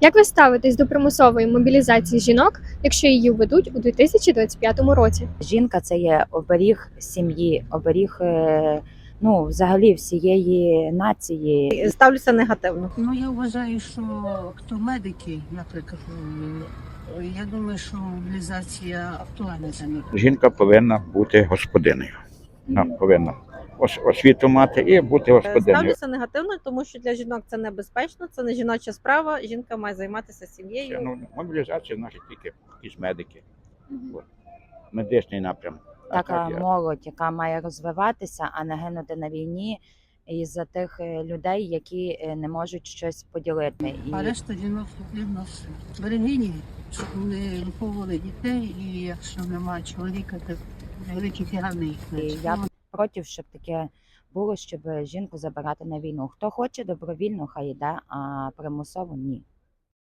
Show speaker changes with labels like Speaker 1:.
Speaker 1: Як ви ставитесь до примусової мобілізації жінок, якщо її введуть у 2025 році?
Speaker 2: Жінка це є оберіг сім'ї, оберіг взагалі всієї нації.
Speaker 3: Ставлюся негативно.
Speaker 4: Ну, я вважаю, що хто медики, наприклад, я думаю, що мобілізація актуальна для них.
Speaker 5: Жінка повинна бути господинею. Вона повинна освіту мати і бути господинею.
Speaker 3: Ставлюся негативно, тому що для жінок це небезпечно, це не жіноча справа. Жінка має займатися сім'єю.
Speaker 5: Мобілізація значить тільки якісь медики. Медичний напрям.
Speaker 2: Така молодь, яка має розвиватися, а не гинути на війні із-за тих людей, які не можуть щось поділити.
Speaker 4: А решта жінок потрібно берегині, щоб вони виховували дітей, і якщо немає чоловіка, то великі тягани їх.
Speaker 2: Я проти, щоб таке було, щоб жінку забирати на війну. Хто хоче добровільно, хай йде, а примусово ні.